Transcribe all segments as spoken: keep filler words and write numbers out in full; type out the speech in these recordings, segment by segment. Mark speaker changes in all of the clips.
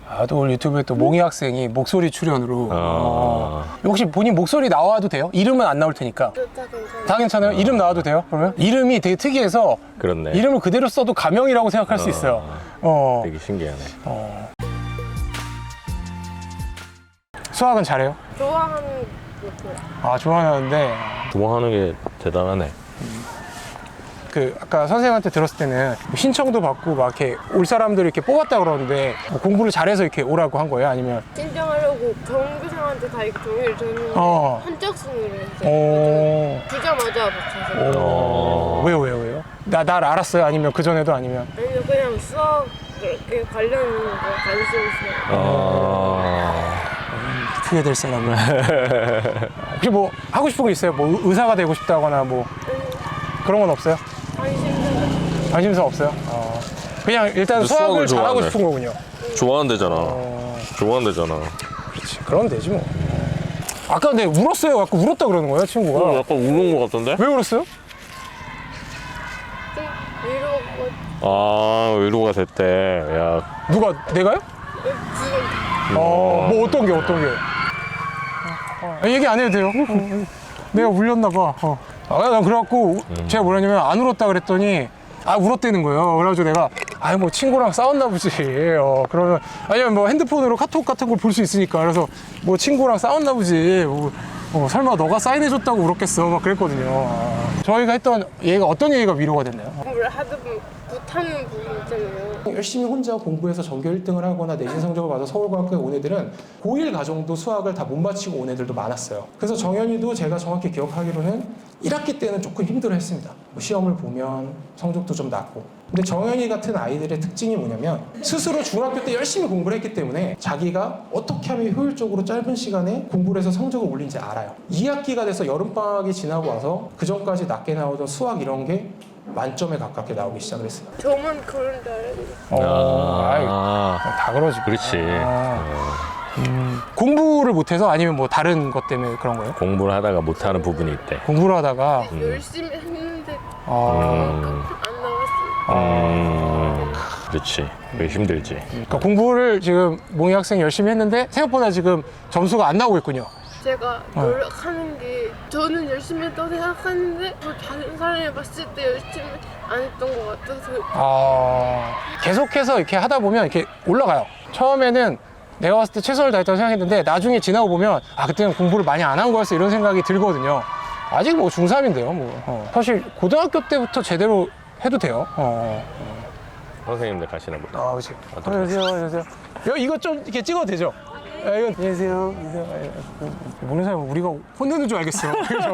Speaker 1: 아, 또 오늘 유튜브에 또 몽이 학생이 목소리 출연으로.
Speaker 2: 아.
Speaker 1: 어. 혹시 본인 목소리 나와도 돼요? 이름은 안 나올 테니까.
Speaker 3: 다 괜찮아요.
Speaker 1: 다 괜찮아요? 이름 나와도 돼요? 그러면? 이름이 되게 특이해서
Speaker 2: 그렇네.
Speaker 1: 이름을 그대로 써도 가명이라고 생각할 수 있어요. 어.
Speaker 2: 되게 신기하네.
Speaker 1: 어. 수학은 잘해요?
Speaker 3: 좋아하는 것도
Speaker 1: 아, 좋아하는데
Speaker 2: 좋아하는 게 대단하네.
Speaker 1: 그 아까 선생님한테 들었을 때는 신청도 받고 막 이렇게 올 사람들을 이렇게 뽑았다 그러는데 뭐 공부를 잘해서 이렇게 오라고 한 거예요? 아니면?
Speaker 3: 신청하려고 전교생한테 다 이렇게 종이를 줬는데
Speaker 1: 어.
Speaker 3: 한짝순으로 이제
Speaker 1: 어.
Speaker 3: 주자마자 붙여서
Speaker 1: 어. 왜요, 왜요, 왜요? 나, 날 알았어요? 아니면 그전에도 아니면?
Speaker 3: 아니면 그냥 수학 이렇게 관련 있는 거 관심 있어요.
Speaker 2: 아.
Speaker 1: 어떻게 될 사람은? 혹시 뭐 하고 싶은 거 있어요? 뭐 의- 의사가 되고 싶다거나 뭐 그런 건 없어요?
Speaker 3: 관심도
Speaker 1: 관심사 없어요? 어. 그냥 일단
Speaker 2: 근데
Speaker 1: 수학을
Speaker 2: 수학을
Speaker 1: 잘하고
Speaker 2: 좋아하네.
Speaker 1: 싶은 거군요.
Speaker 2: 좋아한대잖아.
Speaker 1: 어.
Speaker 2: 좋아한대잖아.
Speaker 1: 그렇지. 그러면 되지 뭐. 아까 근데 울었어요. 아까 울었다 그러는 거예요, 친구가.
Speaker 2: 어, 약간 우는 것 같던데?
Speaker 1: 왜 울었어요?
Speaker 3: 좀 위로가
Speaker 2: 아, 위로가 됐대. 야,
Speaker 1: 누가? 내가요?
Speaker 3: 지금
Speaker 1: 어, 뭐 어떤 게 어떤 게? 어, 어, 얘기 안 해도 돼요. 어, 내가 울렸나 봐. 어. 아, 난 그래갖고 제가 뭐라냐면 안 울었다 그랬더니 아 울었다는 거예요. 그래가지고 내가 아 뭐 친구랑 싸웠나 보지. 어, 그러면 아니면 뭐 핸드폰으로 카톡 같은 걸 볼 수 있으니까 그래서 뭐 친구랑 싸웠나 보지. 뭐, 어, 설마 너가 사인해줬다고 울었겠어. 막 그랬거든요. 아, 저희가 했던 얘기가 어떤 얘기가 위로가 됐나요?
Speaker 3: 공부를 하다 보면 못하는 부분 있잖아요.
Speaker 1: 열심히 혼자 공부해서 전교 일 등을 하거나 내신 성적을 받아 서울과학교에 온 애들은 고일 과정도 수학을 다 못 마치고 온 애들도 많았어요. 그래서 정현이도 제가 정확히 기억하기로는 일 학기 때는 조금 힘들어했습니다. 뭐 시험을 보면 성적도 좀 낮고. 근데 정현이 같은 아이들의 특징이 뭐냐면 스스로 중학교 때 열심히 공부를 했기 때문에 자기가 어떻게 하면 효율적으로 짧은 시간에 공부를 해서 성적을 올린지 알아요. 이 학기가 돼서 여름방학이 지나고 와서 그 전까지 낮게 나오던 수학 이런 게 만점에 가깝게 나오기 시작을 했어요.
Speaker 3: 저만 그런 줄 알았는데
Speaker 1: 어, 아이,
Speaker 2: 아,
Speaker 1: 다 그러지.
Speaker 2: 그렇지.
Speaker 1: 아, 음, 공부를 못해서 아니면 뭐 다른 것 때문에 그런 거예요?
Speaker 2: 공부를 하다가 못하는 부분이 있대.
Speaker 1: 공부를 하다가
Speaker 3: 열심히 했는데
Speaker 1: 아,
Speaker 2: 음,
Speaker 3: 안 나왔어요.
Speaker 2: 음, 그렇지. 그게 힘들지.
Speaker 1: 그러니까 공부를 지금 몽이 학생이 열심히 했는데 생각보다 지금 점수가 안 나오고 있군요.
Speaker 3: 제가
Speaker 1: 어.
Speaker 3: 노력하는 게 저는 열심히 했다고 생각하는데 뭐 다른 사람이 봤을 때 열심히 안 했던 것 같아서
Speaker 1: 아, 계속해서 이렇게 하다 보면 이렇게 올라가요. 처음에는 내가 봤을 때 최선을 다했다고 생각했는데 나중에 지나고 보면 아 그때는 공부를 많이 안 한 거였어 이런 생각이 들거든요. 아직 뭐 중삼인데요. 뭐 어. 사실 고등학교 때부터 제대로 해도 돼요. 어.
Speaker 2: 선생님들 가시나 보다.
Speaker 1: 아, 그렇지. 안녕하세요, 안녕하세요. 야, 이거 좀 이렇게 찍어도 되죠? 아, 이거 안녕하세요. 안녕하세요. 아, 모르는 사람은 우리가 혼내는 줄 알겠어.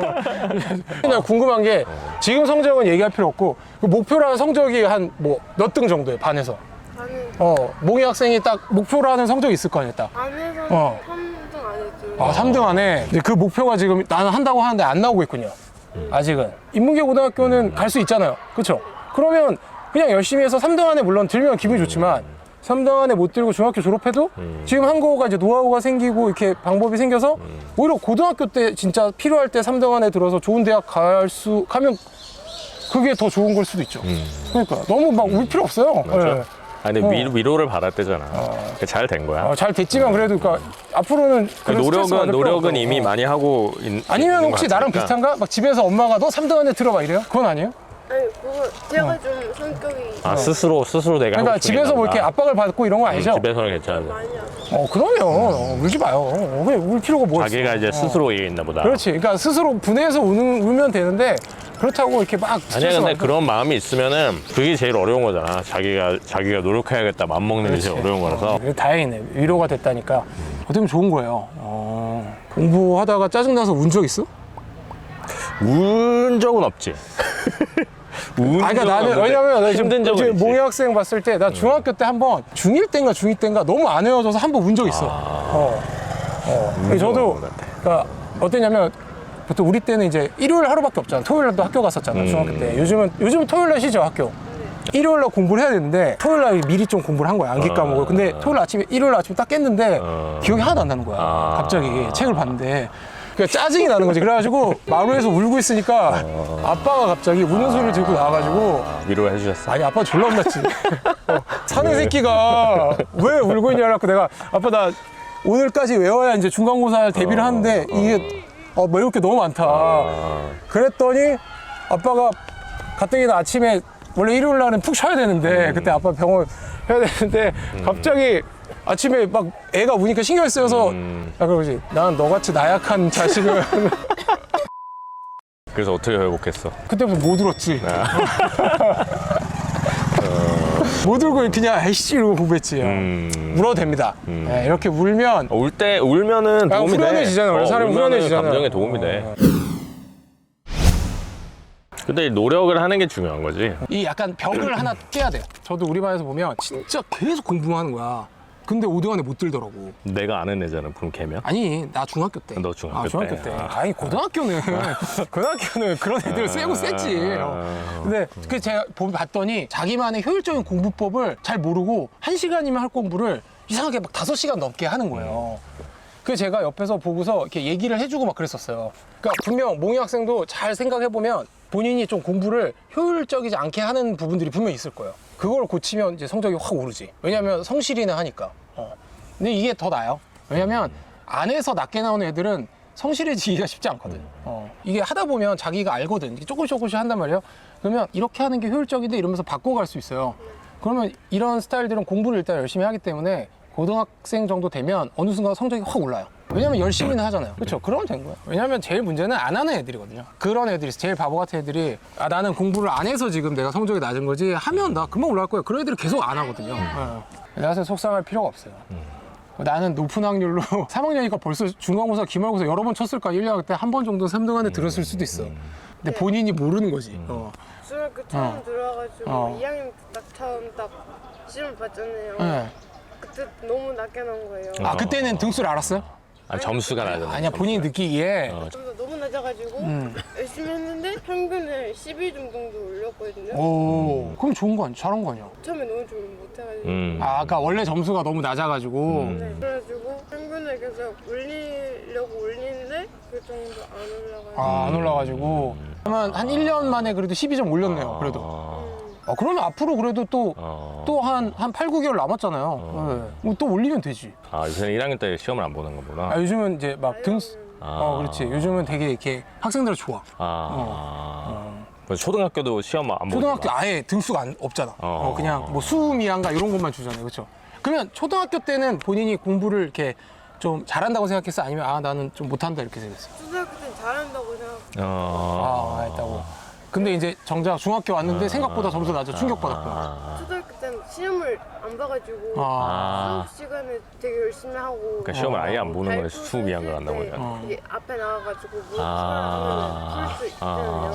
Speaker 1: 그냥 궁금한 게 지금 성적은 얘기할 필요 없고 그 목표라는 성적이 한 뭐 몇 등 정도예요, 반에서?
Speaker 3: 반은
Speaker 1: 어, 몽이 학생이 딱 목표라는 성적이 있을 거 아니에요, 딱.
Speaker 3: 반에서는
Speaker 1: 어.
Speaker 3: 삼 등 안 했죠.
Speaker 1: 아, 삼 등 안에 근데 그 목표가 지금 나는 한다고 하는데 안 나오고 있군요. 아직은. 인문계 고등학교는 갈 수 있잖아요. 그렇죠? 그러면 그냥 열심히 해서 삼 등 안에 물론 들면 기분이 좋지만 삼 등 안에 못 들고 중학교 졸업해도 지금 한 거가 이제 노하우가 생기고 이렇게 방법이 생겨서 오히려 고등학교 때 진짜 필요할 때 삼 등 안에 들어서 좋은 대학 갈 수 가면 그게 더 좋은 걸 수도 있죠. 그러니까 너무 막 울 필요 없어요.
Speaker 2: 맞아.
Speaker 1: 예.
Speaker 2: 아, 근데
Speaker 1: 어.
Speaker 2: 위, 위로를 받았대잖아. 잘 된 거야.
Speaker 1: 어, 잘 됐지만 그래도 그러니까 앞으로는 그런 스트레스
Speaker 2: 노력은
Speaker 1: 받을 필요
Speaker 2: 노력은
Speaker 1: 없다고.
Speaker 2: 이미
Speaker 1: 어.
Speaker 2: 많이 하고 있,
Speaker 1: 아니면
Speaker 2: 있는
Speaker 1: 혹시
Speaker 2: 것
Speaker 1: 나랑
Speaker 2: 같으니까.
Speaker 1: 비슷한가? 막 집에서 엄마가 너 삼 등 안에 들어봐 이래요? 그건 아니에요?
Speaker 3: 아니 그거 제가 좀 성격이
Speaker 2: 아, 스스로 스스로 내가
Speaker 1: 그러니까
Speaker 2: 하고 싶은 게
Speaker 1: 집에서 뭐
Speaker 2: 있나
Speaker 1: 이렇게
Speaker 2: 보다.
Speaker 1: 압박을 받고 이런 거 아니죠?
Speaker 2: 집에서는 괜찮은데
Speaker 3: 많이 안
Speaker 1: 어 그러면 어, 울지 마요. 어, 그래 울 필요가 뭐 있어?
Speaker 2: 자기가 이제
Speaker 1: 어.
Speaker 2: 스스로 얘기했나 보다.
Speaker 1: 그렇지. 그러니까 스스로 분해해서 우는, 울면 되는데 그렇다고 이렇게 막
Speaker 2: 아니야,
Speaker 1: 스트레스
Speaker 2: 근데
Speaker 1: 받고-
Speaker 2: 그런 마음이 있으면은 그게 제일 어려운 거잖아. 자기가 자기가 노력해야겠다 맘 먹는 게 제일
Speaker 1: 그렇지.
Speaker 2: 어려운 거라서.
Speaker 1: 어, 그래, 다행이네. 위로가 됐다니까. 어떻게 보면 좋은 거예요. 어, 공부하다가 짜증나서 운 적 있어?
Speaker 2: 운 적은 없지. 운
Speaker 1: 아, 그러니까
Speaker 2: 적은
Speaker 1: 나는
Speaker 2: 없는데
Speaker 1: 왜냐면 나 지금
Speaker 2: 힘든 적은 있지.
Speaker 1: 몽이 학생 봤을 때 나 중학교 때 한 번 중일 때인가 중이 때인가 너무 안 외워져서 한 번 운 적 있어. 어. 어.
Speaker 2: 운 적은
Speaker 1: 저도
Speaker 2: 없는 것 같아.
Speaker 1: 그러니까 어땠냐면 보통 우리 때는 이제 일요일 하루밖에 없잖아. 토요일 날도 학교 갔었잖아.
Speaker 2: 음.
Speaker 1: 중학교 때. 요즘은 요즘은 토요일 날 쉬죠, 학교. 일요일 날 공부를 해야 되는데 토요일 날 미리 좀 공부를 한 거야. 암기
Speaker 2: 어.
Speaker 1: 과목을. 근데 토요일 아침에 일요일 아침에 딱 깼는데
Speaker 2: 어.
Speaker 1: 기억이 하나도 안 나는 거야.
Speaker 2: 아.
Speaker 1: 갑자기 책을 봤는데 그러니까 짜증이 나는 거지. 그래가지고 마루에서 울고 있으니까 아빠가 갑자기 우는 소리를 들고 나와가지고
Speaker 2: 위로해 주셨어.
Speaker 1: 아니 아빠 졸라 혼났지. 어, 사내 새끼가 왜 울고 있냐고 내가 아빠 나 오늘까지 외워야 이제 중간고사 대비를 하는데 이게 어, 뭐 이렇게 너무 많다. 그랬더니 아빠가 가뜩이나 아침에 원래 일요일 날은 푹 쉬어야 되는데 그때 아빠 병원 해야 되는데 갑자기 아침에 막 애가 우니까 신경 쓰여서 야 그러지 난 너같이 나약한 자식을
Speaker 2: 그래서 어떻게 회복했어?
Speaker 1: 그때부터 못 울었지. 못 울고 그냥 에이씨 이러고 공부했지.
Speaker 2: 음.
Speaker 1: 울어도 됩니다. 네, 이렇게 울면
Speaker 2: 울 때 울면은
Speaker 1: 아,
Speaker 2: 도움이 돼.
Speaker 1: 후련해지잖아. 원래 사람이
Speaker 2: 울면은
Speaker 1: 후련해지잖아.
Speaker 2: 감정에 도움이 돼. 근데 노력을 하는 게 중요한 거지.
Speaker 1: 이 약간 벽을 하나 깨야 돼. 저도 우리 반에서 보면 진짜 계속 공부만 하는 거야. 근데 오 등 안에 못 들더라고.
Speaker 2: 내가 아는 애잖아. 그럼 걔면?
Speaker 1: 아니 나 중학교 때.
Speaker 2: 너 중학교
Speaker 1: 아, 중학교
Speaker 2: 때.
Speaker 1: 때.
Speaker 2: 아.
Speaker 1: 아니 고등학교는 고등학교는 그런 애들 세고 셌지. 어. 근데 그 제가 보- 봤더니 자기만의 효율적인 공부법을 잘 모르고 한 시간이면 할 공부를 이상하게 막 다섯 시간 넘게 하는 거예요. 그 제가 옆에서 보고서 이렇게 얘기를 해주고 막 그랬었어요. 그러니까 분명 몽이 학생도 잘 생각해 보면 본인이 좀 공부를 효율적이지 않게 하는 부분들이 분명 있을 거예요. 그걸 고치면 이제 성적이 확 오르지. 왜냐면 성실이나 하니까. 어. 근데 이게 더 나아요. 왜냐면 안에서 낮게 나오는 애들은 성실해지기가 쉽지 않거든. 어. 이게 하다 보면 자기가 알거든. 이게 조금씩 조금씩 한단 말이에요. 그러면 이렇게 하는 게 효율적인데 이러면서 바꿔갈 수 있어요. 그러면 이런 스타일들은 공부를 일단 열심히 하기 때문에 고등학생 정도 되면 어느 순간 성적이 확 올라요. 왜냐면 열심히는 하잖아요. 그렇죠? 그러면 된 거예요. 왜냐면 제일 문제는 안 하는 애들이거든요. 그런 애들이 있어. 제일 바보 같은 애들이 아 나는 공부를 안 해서 지금 내가 성적이 낮은 거지 하면 나 금방 올라갈 거야. 그런 애들이 계속 안 하거든요. 네. 나한테 속상할 필요가 없어요. 나는 높은 확률로 삼 학년이니까 벌써 중간고사, 기말고사 여러 번 쳤을까? 일 년 때 한 번 정도 삼 등 안에 들었을 수도 있어. 근데 본인이 모르는 거지. 어.
Speaker 3: 중학교 처음
Speaker 1: 어.
Speaker 3: 들어와가지고
Speaker 1: 어.
Speaker 3: 이 학년 때 딱 처음 딱 시험 봤잖아요.
Speaker 1: 네.
Speaker 3: 그때 너무 낮게 나온 거예요.
Speaker 1: 아 그때는 등수를 알았어요?
Speaker 2: 아, 점수가 나잖아.
Speaker 1: 아니야 본인이 느끼기에
Speaker 2: 어.
Speaker 3: 좀 더 너무 낮아가지고
Speaker 1: 음.
Speaker 3: 열심히 했는데 평균을 십이 점 정도 올렸거든요.
Speaker 1: 오 그럼 좋은 거 아니야? 잘한 거 아니야?
Speaker 3: 처음에 너무 좋은 못해가지고
Speaker 2: 음.
Speaker 1: 아 아까 원래 점수가 너무 낮아가지고
Speaker 3: 네. 그래가지고 평균을 계속 올리려고 올리는데 그 정도 안 올라가요.
Speaker 1: 아, 안 올라가지고 그러면 한 일 년 만에 그래도 십이 점 올렸네요. 그래도.
Speaker 2: 아.
Speaker 1: 아, 그러면 앞으로 그래도 또
Speaker 2: 어.
Speaker 1: 또 한 한 팔, 구 개월 남았잖아요. 네. 뭐또 올리면 되지.
Speaker 2: 아, 요새는 일 학년 때 시험을 안 보는 거구나.
Speaker 1: 아, 요즘은 이제 막 등수
Speaker 2: 아.
Speaker 1: 어, 그렇지. 요즘은 되게 이렇게 학생들 좋아.
Speaker 2: 아. 그 초등학교도 시험 안 보는
Speaker 1: 초등학교 아예 등수가 안, 없잖아.
Speaker 2: 어.
Speaker 1: 어, 그냥 뭐 수미양가 이런 것만 주잖아요. 그렇죠? 그러면 초등학교 때는 본인이 공부를 이렇게 좀 잘한다고 생각했어? 아니면 아, 나는 좀 못한다 이렇게 생각했어?
Speaker 3: 초등학교 때는 잘한다고 생각.
Speaker 2: 어.
Speaker 1: 아, 했다고. 근데 이제 정작 중학교 왔는데 생각보다 점수 낮아 충격받았구나.
Speaker 2: 아.
Speaker 3: 초등학교 때는 시험을 안 봐가지고
Speaker 1: 아.
Speaker 3: 수업 시간에 되게 열심히 하고.
Speaker 2: 그러니까 시험을 아예 안 보는 거네.
Speaker 3: 발표
Speaker 2: 수미한 걸 한다고
Speaker 3: 쓸 때
Speaker 2: 하면.
Speaker 1: 어.
Speaker 3: 이게 앞에 나와가지고 뭐
Speaker 2: 아.
Speaker 3: 풀수 있잖아요.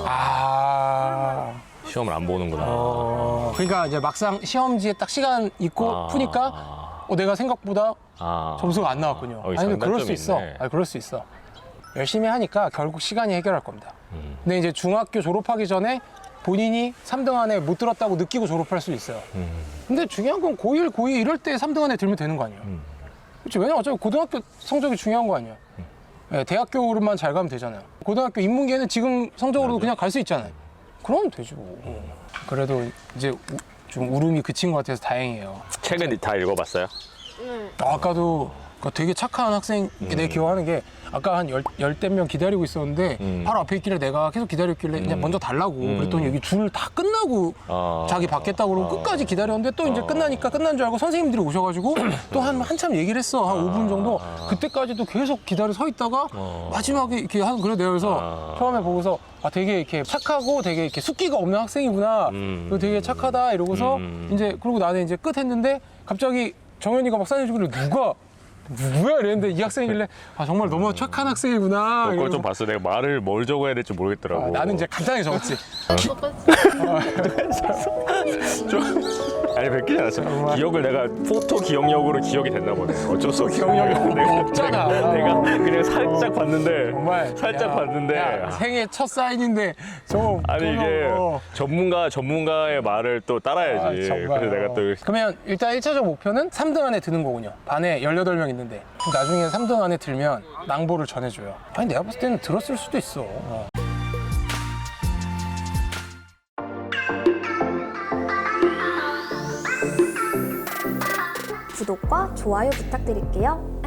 Speaker 1: 아.
Speaker 2: 시험을 안 보는구나.
Speaker 1: 어. 그러니까 이제 막상 시험지에 딱 시간 있고
Speaker 2: 아.
Speaker 1: 푸니까 어, 내가 생각보다
Speaker 2: 아.
Speaker 1: 점수가 안 나왔군요.
Speaker 2: 어,
Speaker 1: 아니, 근데 그럴 수
Speaker 2: 장단점이
Speaker 1: 있어.
Speaker 2: 있네.
Speaker 1: 아니, 그럴 수 있어. 열심히 하니까 결국 시간이 해결할 겁니다.
Speaker 2: 음.
Speaker 1: 근데 이제 중학교 졸업하기 전에 본인이 삼 등 안에 못 들었다고 느끼고 졸업할 수 있어요.
Speaker 2: 음.
Speaker 1: 근데 중요한 건 고일, 고이 이럴 때 삼 등 안에 들면 되는 거 아니에요?
Speaker 2: 음.
Speaker 1: 그렇지. 왜냐면 어차피 고등학교 성적이 중요한 거 아니에요? 네, 대학교로만 잘 가면 되잖아요. 고등학교 인문계는 지금 성적으로도 그냥 갈 수 있잖아요. 그러면 되지 뭐. 그래도 이제 우- 좀 울음이 그친 것 같아서 다행이에요.
Speaker 2: 책은 다 읽어봤어요?
Speaker 3: 네.
Speaker 1: 아까도 그러니까 되게 착한 학생 내 기억하는 게 아까 한 열, 열댓 명 기다리고 있었는데
Speaker 2: 음.
Speaker 1: 바로 앞에 있길래 내가 계속 기다렸길래 그냥
Speaker 2: 음.
Speaker 1: 먼저 달라고
Speaker 2: 음.
Speaker 1: 그랬더니 여기 줄 다 끝나고
Speaker 2: 아.
Speaker 1: 자기 받겠다고 그러고
Speaker 2: 아.
Speaker 1: 끝까지 기다렸는데 또 이제
Speaker 2: 아.
Speaker 1: 끝나니까 끝난 줄 알고 선생님들이 오셔가지고 또 한 한참 얘기를 했어. 한 오 분 정도. 그때까지도 계속 기다려 서 있다가
Speaker 2: 어.
Speaker 1: 마지막에 이렇게 하는 그래 내가 그래서
Speaker 2: 아.
Speaker 1: 처음에 보고서 아 되게 이렇게 착하고 되게 이렇게 숙기가 없는 학생이구나.
Speaker 2: 음.
Speaker 1: 그리고 되게 착하다 이러고서
Speaker 2: 음.
Speaker 1: 이제 그리고 나는 이제 끝 했는데 갑자기 정현이가 막 사진주길래 누가 누구야 이랬는데 이 학생이길래 아 정말 너무 착한 학생이구나.
Speaker 2: 그걸
Speaker 1: 이러면서
Speaker 2: 좀 봤어. 내가 말을 뭘 적어야 될지 모르겠더라고.
Speaker 1: 아, 나는 이제 간단하게 적었지.
Speaker 3: 똑같이.
Speaker 2: 아니 뵙기지 않았어.
Speaker 4: 정말.
Speaker 2: 기억을 내가 포토 기억력으로 기억이 됐나 보네. 어쩔 수 없어.
Speaker 4: 기억력이
Speaker 2: 내가,
Speaker 4: 없잖아.
Speaker 2: 내가, 내가 그냥 살짝 봤는데
Speaker 4: 정말
Speaker 2: 살짝
Speaker 4: 야,
Speaker 2: 봤는데
Speaker 4: 야, 생애 첫 사인인데 저
Speaker 2: 아니 이게
Speaker 4: 어.
Speaker 2: 전문가 전문가의 말을 또 따라야지.
Speaker 4: 아, 정말.
Speaker 2: 그래서 내가 또
Speaker 4: 그러면 일단 일 차적 목표는 삼 등 안에 드는 거군요. 반에 열여덟 명 있는데 그럼 나중에 삼 등 안에 들면 낭보를 전해줘요. 아니 내가 봤을 때는 들었을 수도 있어. 어.
Speaker 5: 구독과 좋아요 부탁드릴게요.